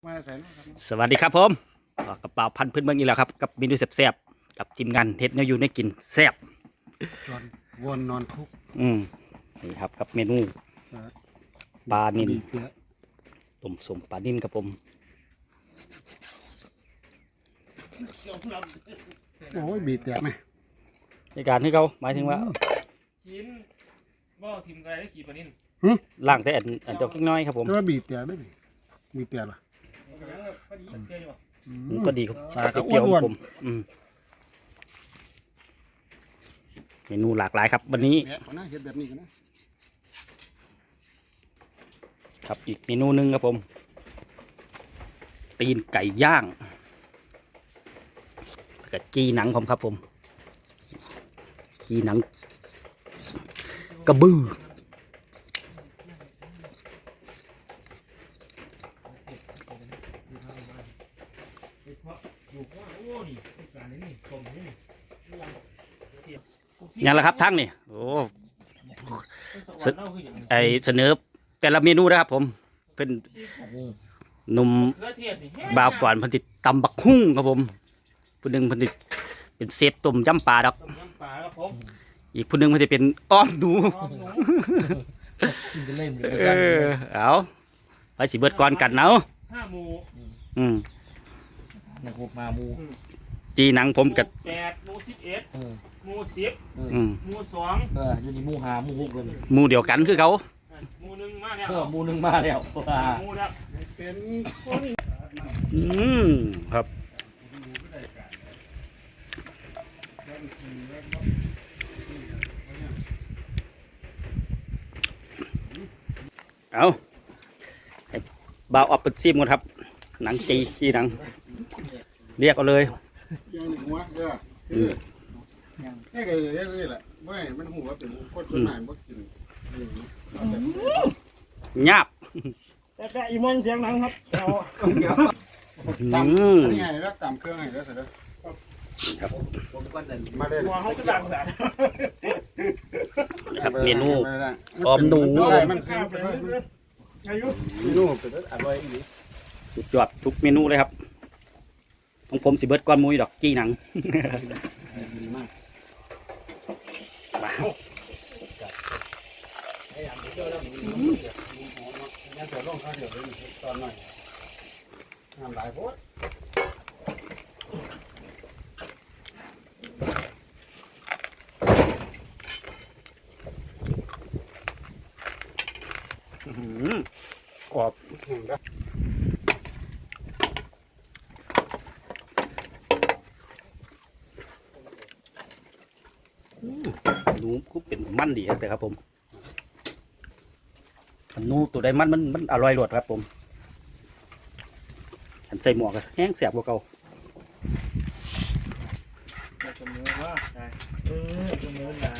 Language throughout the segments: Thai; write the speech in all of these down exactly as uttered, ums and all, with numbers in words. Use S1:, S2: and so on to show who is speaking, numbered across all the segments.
S1: สวัสดีครับผมกระเป๋าพันพื้นเมืองอีกแล้วครับกับเมนูแซ่บๆกับทีมงานเฮ็ดแนวอยู่ในกินแซ่บ
S2: จนวนนอนคุก
S1: อืมนี่ครับกับเมนูปลานิลต้มสมปลานิลครับผม
S2: โอ้ยบีบแตกไหม
S1: ในการที่เขาหมายถึงว่า
S3: ชิ้นบ่ทิมไก่ได้ขี่ปลานิ่น
S1: ล่างแต่อันอันเจ้ากิ้งน้อยครับผม
S2: แต่ว่าบีบแตกได้ไหมบีบแตกหรอ
S1: ก็ดีครับ
S2: ปลากระอ้
S1: เปรี้ยว
S2: วน
S1: ผมอืมเมนูหลากหลายครับวันนี้
S2: เนี่ยเขาน่าเห็ดแบบนี้กันนะ
S1: ครับอีกเมนูหนึ่งครับผมตีนไก่ย่างกับจีหนังผมครับผมจีหนังกระบือยังละครับทั้งนี่โอ้ไอเสนอแต่ละเมนูนะครับผมเป็นหนุ่มบ่าวก่อนพันธิตตำบักหุ่งครับผมผู้หนึ่งพันธิตเป็นเซฟต้มยำปลาครับอีกผู้หนึ่งพันธิตเป็นอ้อมหนูเออเอาไปสิเบิดก่อนกันเนาะ
S3: ห้าหมู
S1: อืม
S4: นะครับมาหมู
S1: จีหนังผมกับ
S3: แปดหมูสิบเอ็ดหมูสิบหมูสอง
S4: เอออยู่ในหมูหาหมูหกเลย
S1: หมูเดียวกันคือเขา
S3: หมูหนึ่งมาแล้ว
S4: เออหมูหนึ่งมาแล้ว
S3: หมูแล้ว
S2: เป็น
S1: อืมครับเอาบ่าวออกเป็นซีมก่อนครับหนังจีจีหนังเรียกเอาเลย
S2: ยังหนึ่งหัวเด้อนี่ก็อย่างนี้แหละไม่มันหัวเป็นคนส่วนใหญ่บ่กิน
S1: หยาบ
S3: แต่แต่อีมอนเสียงหนังครับเอา
S2: ตำอันนี้ไงแล้วตำเครื่องไงแล้วเสร็จแล้ว
S1: ครับ
S2: มาได้
S3: หัวเขาจะดังแบบ
S1: ครับเมนูออมหนู
S2: มันคืออายุเมนูเป็นอร่อยอีก
S1: สุดยอดทุกเมนูเลยครับของผมสิเบิร์ดก้อนมุ้ยดอกจี้หนัง
S2: ดีมากงั้นเดี๋ยวลงข้าวเดี๋ยวเลยตอนหน่อยน้ำลายโพด
S1: กรอบหนูก็เป็นมันดีแต่ครับผมหนูตัวใดมันมันมันอร่อยรสครับผมฉันใส่หมวกแห้งแสบกว่าเก่า
S3: จะมือว่าได้เออจะมือละ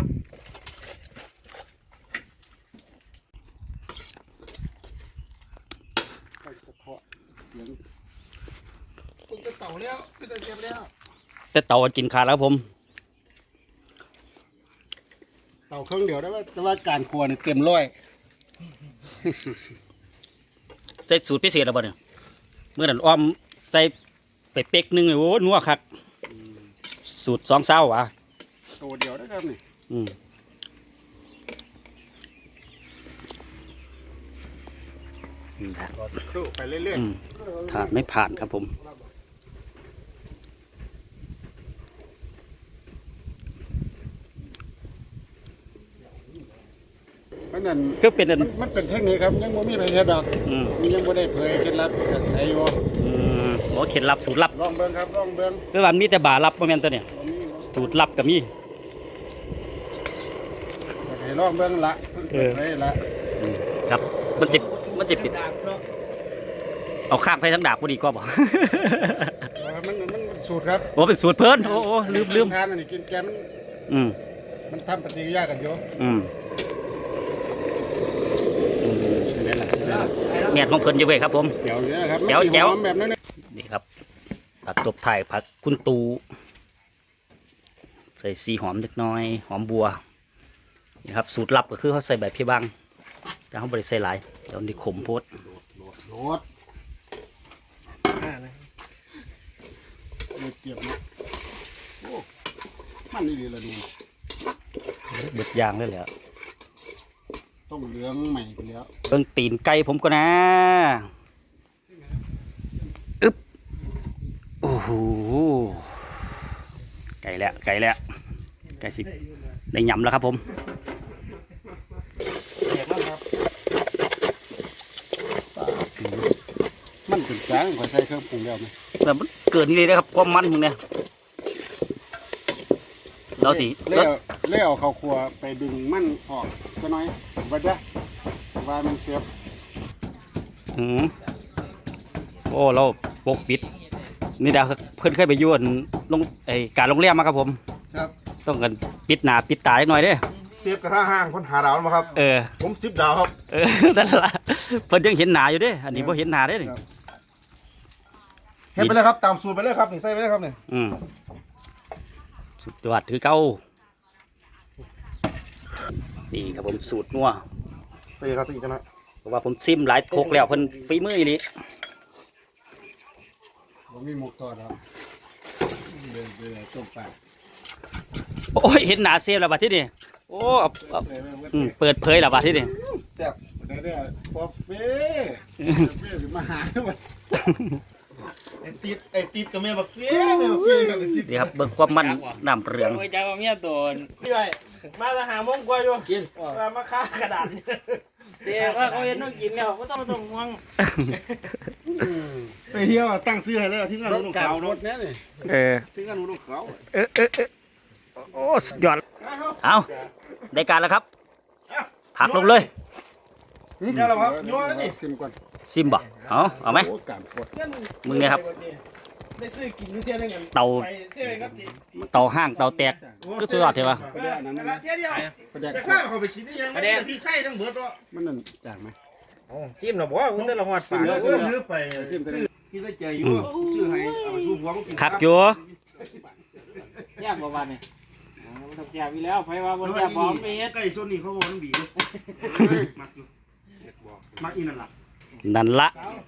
S2: คุณจะเต่าแล้วคุณจะเจ็บแล้ว
S1: แต่เต่ากินขาดแล้วผม
S2: เต่าเครื่องเดียวได้ว่าแต่ว่าการครัวนี่เต็มร้อย
S1: ใส่สูตรพิเศษแล้วบ่เนี่ยเมื่อนั้นอ้อมใส่ไปเป๊กนึงโอ้นัวคักสูตรสองเศร้าอ่ะ
S2: ตัวเดียวได้ครับนี่
S1: อืม
S2: รอสักครู่ไปเรื่อย
S1: ๆผ่านไม่ผ่านครับผม
S2: มันนั่น
S1: คือเป็น
S2: มันเป็นเทคนิคครับยังไม่มีอะไรเฮ็ดดอกยังไม่ได้เผยเคล็ดลับไอ้โย
S1: อืมโอ้เคล็ดลับสูตรลับ
S2: ลองเบิ้งครับลองเบิ้ง
S1: คือวันมีแต่บาลับโมเมนต์ตัวเนี่ยสูตรลับกับมี
S2: ให้ลองเบิ้งละเออละ
S1: ครับมันจะมันจะปิดเอาข้างไปทั้งดาบพอดีก็บอก
S2: มันมันสูตรครับ
S1: โอ้เป็นสูตรเพิ่นโอ้โอ้ลืมลืม
S2: ทานอันนี้กินแกมัน
S1: อืม
S2: มันทำปฏิกิริยากันเยอะ
S1: อืมแง่ของเพิ่นอยู่เว้ยครับผม
S2: เดี๋ยวนี้ครับ
S1: เดี๋ยวเดี๋ยว
S2: แบบนั้น
S1: นี่ครับผักตบไทยผักคุณตูใส่ซีหอมเล็กน้อยหอมบัวนี่ครับสูตรลับก็คือเขาใส่แบบพี่บังแต่เขาบริใส่หลายเดี๋ยวนี้ขมโพด
S2: โดดได้เตรียมเนาะโอ้มันนี่ดีละดู
S1: เบิดยางเลยแหละ
S2: ต้องเหลืองใหม่ไปแล้ว
S1: เบิ่งตีนไก่ผมก็นะอึ๊บโอ้โหไก่แล้วไก่แล้วไก่สิได้ยำแล้วครับผม
S4: เด็กแล้วครับ
S2: มันถึงจางขอใส่เครื่องปรุงแล้วไหม
S1: แต่มันเกิดนี่เลยนะครับความมันมึงเนี่ยเราสิ
S2: เลี้ยวเลี้ยวเขาครัวไปดึงมันออกก็น้อยว่าจะว่ามันเสียบ
S1: อืมโอ้เราปกปิด นี่ดาวเพื่อนเคยไปยุ่นลงไอการโรงแรมมาครับผม
S2: ครับ
S1: ต้องกันปิดหน้าปิดตาหน่อยเด้
S2: เสียบกระทะห้างคนหาดาวมาครับ
S1: เออ
S2: ผมสิบดาวครับ
S1: เออ นั่นละเพิ่นยังเห็นหนาอยู่เด้ อันนี้พอเห็นหนาเด้นี่
S2: เฮ็ดไปเลยครับตามสูตรไปเลยครับนี่ใส่ไปเลยครับนี่
S1: อืมสุดยอดถือเก้านี่ครับผมสูตรนัว
S2: ใส่ครับใส่อีกนะ
S1: เพราะว่าผมซิมหลายโคกแล้วเพิ่นฝีมืออีหลี
S2: ผมมีหมกทอดครับเดี๋ยวเดี๋ยวต้มปลา
S1: โอ้ยเห็นหนาเซฟแล้วบัดที่นี่โอ้เอาเอาอืมเปิดเผยแล้วบัดที่นี่
S2: แซ่บเดี๋ยวเดี๋ยวปอเฟ่เฟ่มาหาด้วยไอ้ติดไอ้ติดกับแม่บักเฟ่แม่บักเฟ่กันไอ้ติด
S1: นี่ครับเบิ่งความมันน้ำเรือง
S3: โอ้ยจ้าเมียโดนพี่ไปมาจะหาโมงกว่าอยู่กินมาฆ่ากระดาษเจ๊ว่าเขาเห็นต้องกินแล้วก็ต้องต้องห่วง
S2: ไปเที่ยวตั้งซื้อให้แล้วที่งานนุ่งขาวเนาะ
S1: เออ
S2: ที่งานนุ่งขาว
S1: เออเออเออโอ้สุดยอดเอาได้การแล้วครับผักลงเลย
S2: นี่แหละครับยัวแล้วนี่ซิมก่อน
S1: ซิมบ่เอาเอาไหม
S2: โอ้การฟด
S1: มึงเนี่ยครับ
S3: ได้ซื้อกินอยู่เที่ยนึงกัน
S1: เตา
S3: ไปเชื่อครับจี
S1: เตาห้างเตาแตกก็สุดยอดใช่ปะ
S2: ประเดี๋ยวนั้น
S3: ละเที่ยเดียว
S2: ประเดี๋ยว
S3: ไปข้าวเขาไปชิมนี่ยังไม่ได้พี่ไข่ทั้งเบิดตัว
S2: มันนั่นจางไหม
S3: ชิมหรอบอกว่าคุณแต่ละหัวปาก
S2: เนื้อเนื้อไปซิมซื้อกินได้ใจอยู่ซื้อให้เอาไปสู้หัวก็กิน
S1: คักอยู่
S3: แซ่บกว่าวันนี่มันต้องแซ่บอีแล้วไผว่าบ่แซ่บบ่มีเฮ็ด
S2: ไก่ส่วนนี้เขาบอกมันบีมักอยู่มักอีนั่นล่ะ
S1: นั่นละ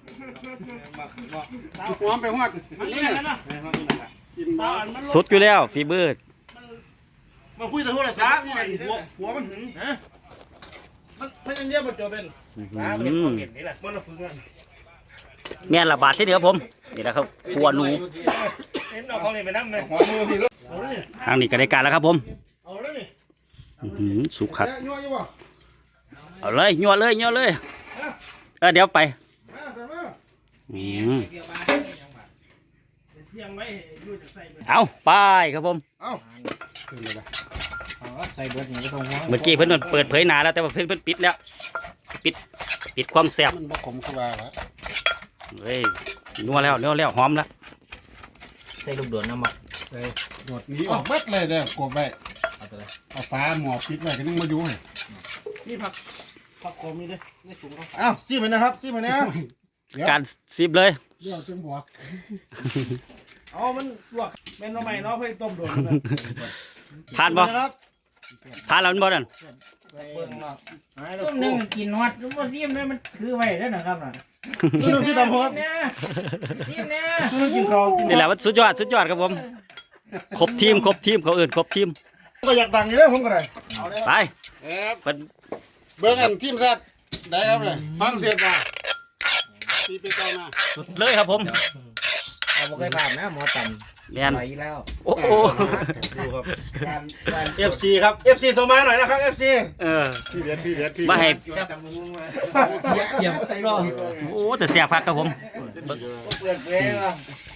S2: หอมไปฮอด
S3: มันเล่นกันเนาะ
S2: กินมา
S1: สุดอยู่แล้วฟีเบอร์
S2: มาคุยแต่โทรศัพท์นี่แหละหัวหัวมันหึง
S3: ฮะมันมันยังเรียกบ่จบเป็นมาเป็นคอมเมนต์นี่แหละ
S2: มันฝึกงาน
S1: แม่นละบาทที่เหนือผมนี่แหละครับครัวหนู
S3: เห็นเอาของนี่ไปนำเลย
S2: หัวมือพี่เลย
S3: เอาเลย
S1: ทางนี้ก็ได้การแล้วครับผม
S3: เอาเลยนี่
S1: อื้อหือสุกคัก
S2: ยัวอยู่บ่
S1: เอาเลยยัวเลยยัวเลยเออเดี๋ยวไป
S2: มาใส่มา
S1: อืม
S3: เกี่ยวมาเสียงไว้อยู่จะใส่ไป
S1: เอาไปครับผม
S2: เอ้าขึ้นเลยละ
S3: ใส่เบิดนี่ก็ต้องห่วง
S1: เมื่อกี้เพิ่นเปิดเผยหนาแล้วแต่ว่าเพิ่นเพิ่นปิดแล้ว ปิดปิดความแซ่บ
S2: มันบ่ขมคือว่าละ
S1: เฮ้ยนัวแล้วนัวแล้วหอมแล้ว
S4: ใส่ลูกโดดน้ำมัน
S2: ใส่หมดนี้ออกเบิดเลยเด้อกบไว้เอาฟ้าหมอปิดไว้ก็นึงมาอยู่ให้
S3: นี่ผักผักโคมนี่เด้นี่ถุงเขา
S2: อ้าวซีมันนะครับซีมันนะ
S1: การซิบเลย
S2: เดี๋ยวจังหัว
S3: อ๋อมันลวกแม่นเอาใหม่เนาะเพื่อต้มโดน
S1: ผ่านบ่
S2: ครับ
S1: ผ่านแล้วมันบ่นั่น
S3: เบิ่งเนาะ
S5: ต้มหนึ่งกินฮอดบ่ซิมเลยมันคือไว้แล้วนะครับน่ะ
S2: ซีมันซีตำหัว
S5: เนี่ยซิมเนี่ย
S2: ซีมันกินข้าวกิน
S1: นี่แหละว่าสุดยอดสุดยอดครับผมครบทีมครบทีมเขาเอื่นครบทีม
S2: ก็อยากดังอยู่แล้วผมก็ได้
S1: ไป
S2: ครับ
S1: เป็น
S2: เบิ่งอันทีมแซ่บได้ครับเลยฟังเสียงว่าตีไปต่อมา
S1: สุดเลยครับผม
S4: เราไม่เคยผ่านนะหมอตัน
S1: แม่น
S4: ไปแล้ว
S1: โอ้โห
S2: ดูครับ เอฟซีครับ เอฟซีส่งมาหน่อยนะครับ เอฟซี
S1: เออ
S2: พี่เด็ดพี่เด็ดพี่
S1: มาให้
S4: เยี่ยมรอ
S1: โอ้แต่เสียพักครับผม
S2: เปิดเพลงอ่ะ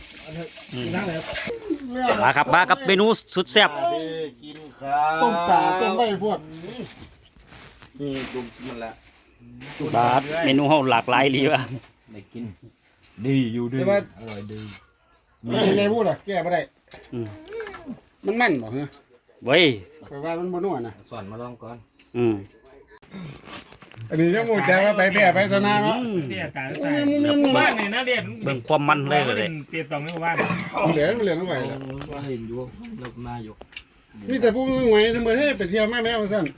S1: มาครับมากับเมนูสุดแซ่บ
S2: กินข้าวต้มปลาต้มใบพวกนี่ต้มมันละ
S1: บาดเมนูเฮาหลากหลายดีว่ะ
S4: ได้กิน ดีอยู่ดี
S2: แต่ว่า
S4: อร่อยดี
S2: มันยังไงพูดอ่ะแก้ไม่ได้มันมันบ่เหรอ
S1: เว้ย
S2: แปลว่ามันบ่นัวนะ
S4: สอนมาลองก่อน
S1: อืม
S2: อันนี้ยังมูจะว่าไปแพ้ไปชนะเนาะ
S3: เตี้ยตายตายบ้านนี่นะเรียน
S1: เบิ่งความมันเลยเลย
S3: เตี้ยตองนี่บ้าน
S2: เหลือเหลือเอาไว้แล้ว
S4: ว่าเห็นอยู่เรามาอยู่
S2: มีแต่ผู้งวยทำไมให้ไปเที่ยวแม่แม่มาสั่น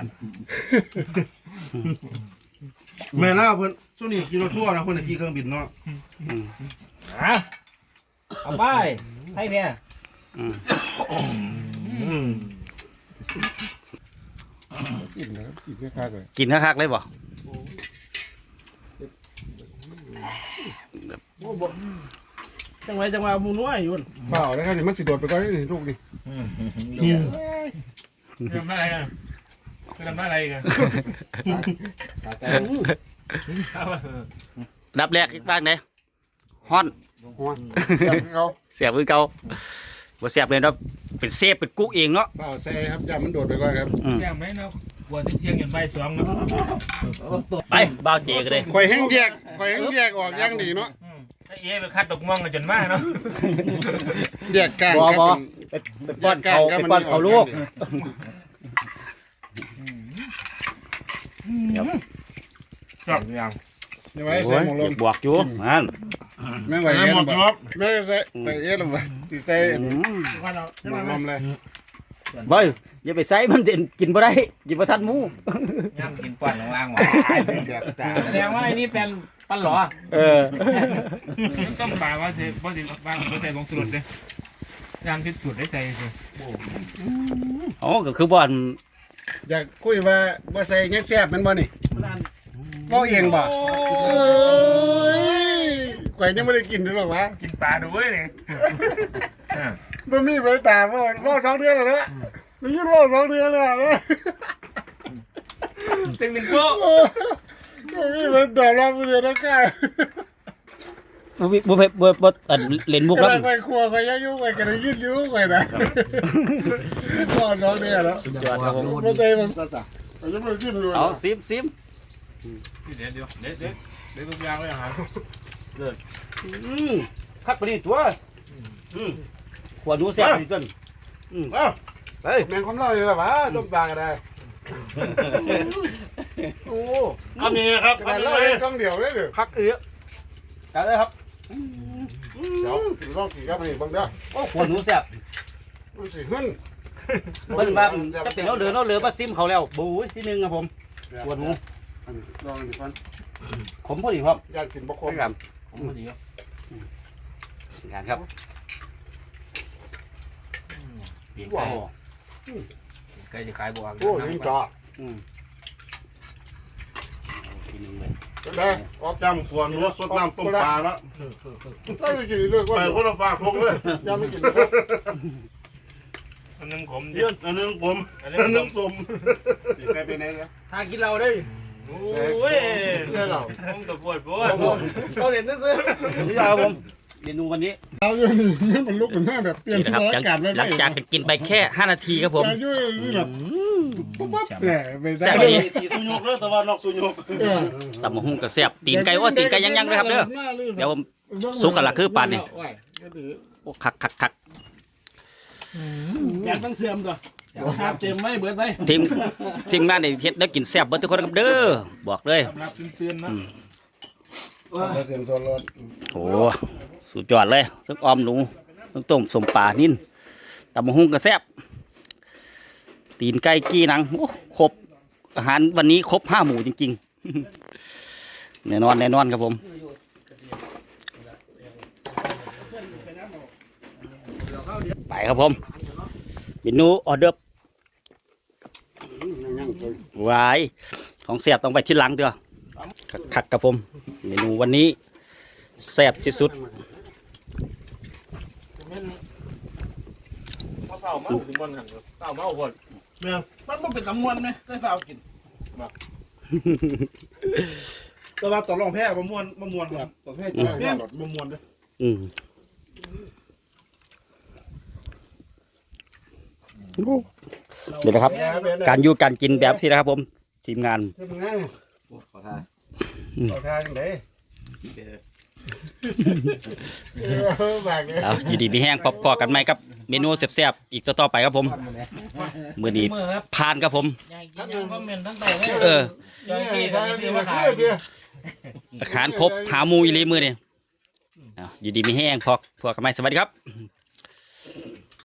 S2: แม่ล่าเพิ่นช่วงนี้กินรถทั่วนะเพิ่นขี่เครื่องบินเนาะ
S4: ฮะเอาไป
S5: ไทยแพ้
S2: กินแล้วกินไม่คักเลย
S1: กินคักๆเลยบ่
S3: จังไรจังหวะมูนัวอยู่
S2: เปล่านะครับเดี๋ยวมันสิโดดไปก่อนนี่ลูกนี่
S3: ทำอะไรกันทำอะไรกัน
S1: ดับแรกอีกบ้างไหนฮ้อน
S2: หัวจับเขา
S1: เสียบคือเก่าบ่เสียบเลยเนาะเป็นเซฟเป็นกุ๊กเองเนาะ
S2: เปล่าใส่ครับอย่ามันโดดไปก่อนครับ
S3: แก้มไหมเนาะวันที่เที่ยงยันใบสองเนาะ
S1: ไปบ้าวเจก็ได้
S2: ข่อยแห้งแยกข่อยแห้งแยกออกอย่างดีเนาะ
S3: ไอ้เอ๋ไปคัดดอกม่วงกันจนมากเนาะ
S2: แยกกลาง
S1: บ่
S2: ครับ
S1: บ่
S2: มัน
S1: ไปป้อนเขาไปป้อนเขาลูก
S3: ครับยัง
S2: เดี๋ยวไว้
S1: โอ้
S2: ใส่
S1: ย
S2: หมวกล
S1: อยาม กบวกอยู่นั่น
S2: แม่ไหวเอ็นบ่แม่ใส่ใส่เอ็นบ่สิใส่
S1: อืม
S3: ว่าเรา
S2: หมวกลมเลย
S1: เฮ้ยอย่าไปใส่มันเด่นกินบ่ได้กินบ่ทันหมู
S4: ย่ำกินป้อนล่างหวา
S5: แสดงว่าไอ้นี่เป็นปันหลอ
S1: เออ
S3: ต้องปาว่าเสว่าสิว่าว่าใส่ลงสุดเลยยางที่สุดได้ใส่สิ
S1: อ๋อก็คือบ่อน
S2: อยากคุยว่าบ่ใส่เงี้ยแซ่บแมันบ่นี่บ่เองบ่เอ้ยข่อยยังไม่ได้กินด้วยหรอกวะ
S3: กินปลาดูเว้ยเนี่ย
S2: มันมีใบตาบ่บ่สองเดือนแล้วนะมันยืดบ่สองเดือนแล้วนะ
S3: ตึงหนึ่งโป๊ะ
S2: มันมีใบตาลองเดือนแล้วกัน
S1: บ่บ่บ่บ่บ่อันเล่นมุก
S2: กำ
S1: แล้ว
S2: ลังไปครัวไปยังยุ่งไปกันยืดยุ่งไปนะบ่สองเดือนแล้ว
S1: ยอดครับผม
S2: บ่ใส่มันก็จ้ะเราจะมาชิมดู
S1: เอาซิมซิม
S3: เดี๋ยวเดี๋ยวเดี๋ยวเดี๋ยวเดี๋ยวทุกอย่างเลยอาหาร
S1: อืมคักปานนี้ตัวอืมขวดหนูแซ่บปานนี้ตัวอืม
S2: เอ้า
S1: เฮ้ย
S2: แมงคำเล่าอยู่แล้ววะต้มปลาก็ได้โอ้อันนี้ครับอันนี้เลยกล้องเดียวเลยเด้อ
S1: คักเอื้อจัดเลยครับ
S2: เดี๋ยวลองกินกับนี่บังเด้อ
S1: โอ้ขวดหนูแซ่บ
S2: มันสิหึ่น
S1: เพิ่นว่าจะเป็นเอาเหลือเอาเหลือมาซิมเขาแล้วบู๊ที่หนึงครับผมขวดหนู
S2: ลองดิพัน
S1: ขมพอดีครับ
S2: อยากกินบ่ครบ
S1: ครับ
S3: ผมพอดีครับ
S1: งานครับ
S4: เปลี่ยน
S2: ว้า
S4: ไก่
S2: ว
S4: ไก่จะขายบวก
S2: โอ้ยยิงจ่อ
S1: อืมทีหนึงเลย
S2: ได้ออกจำส่วนนู้สดน้ำต้มปลาแล้วได้ไปกินเลยไปคนละฝากพงเลยยังไม่กินเลย
S3: อันนึงขม
S2: เยืนอันนึงผมอันนึงผมใครไปไหนเนี่ย
S5: ถ้ากินเราได้
S3: โอ้ย
S2: เพื่อนเรา
S3: ผมตะปวดปวด
S2: เราเห็นซื้อ
S1: นี่ครับผมเมนูวันนี้
S2: เราอยู่นี่มันลุกเหมือนแบบเปลี่ยน
S1: นี่นะครับ
S2: สถานการณ์ไม่
S1: หลังจากกินไปแค่ห้านาทีครับผม
S2: จะยุ่ยนี่แบบปุ๊บปั๊บเนี่ยไปได้
S1: แซ่บ
S2: เลย
S1: ดี
S2: ตีสุญกเลยแต่ว่านอกสุญก
S1: ตำมะฮุ่งกระแซ่บตีนไก่ว่าตีนไก่ยังๆเลยครับเด้อเดี๋ยวผม สุกกันละคือปานนี่ โอ้คักคักคัก
S3: อยากมันเสื่อมตัวครับเต็มไม่เบิดไป
S1: ทีมทีมงานในเฮ็ดได้กินแซ่บเบิดทุกคนครับเด้อบอกเลย
S3: รับเตือนนะ
S2: เสียงตัวรถ
S1: โอ้สุดยอดเลยทั้งออมหนูทั้งต้มสมปลานิ่นตำมะฮุ่งกระแซ่บตีนไก่กี้หนังโอ้ครบอาหารวันนี้ครบห้าหมู่จริงๆ แน่นอนแน่นอนครับผมไปครับผมเมนูออเดอร์วายของแซ่บต้องไปที่หลังเด้อคักๆครับผมเมนูวันนี้แซ่บที่สุด
S3: เฝ้าเมาถึงบนหันเฝ้าเมาหดมันมันเป็นตำมวนไหมได้เฝ้ากิน
S2: แต่ว่าตอนรองแพ้มะม่วนมะม่วนครับตอนแพ้จะได้แบบมะม่วนด้วย
S1: อืมเดี๋ยวนะครับ การอยู่การกินแบบที่นะครับผม ทีมงาน
S2: ทำงาน
S4: ขอทาน
S2: ขอทานยังไงบางเลย
S1: เอาอยู่ดีมีแห้งพบพอกันไหมครับ เมนูแซ่บๆอีกต่อๆไปครับผมมือนี้
S5: มือครับ
S1: ผ่านครับผม
S5: อยากกินยังคอมเมนต์ทั้งโต๊ะเลย
S1: เออ
S5: จอยที่เขาซื้อมาขาย
S1: อาหารครบหาหมูอีหลีมือนี่เอาอยู่ดีมีแห้งพอพอกันไหมสวัสดีครับ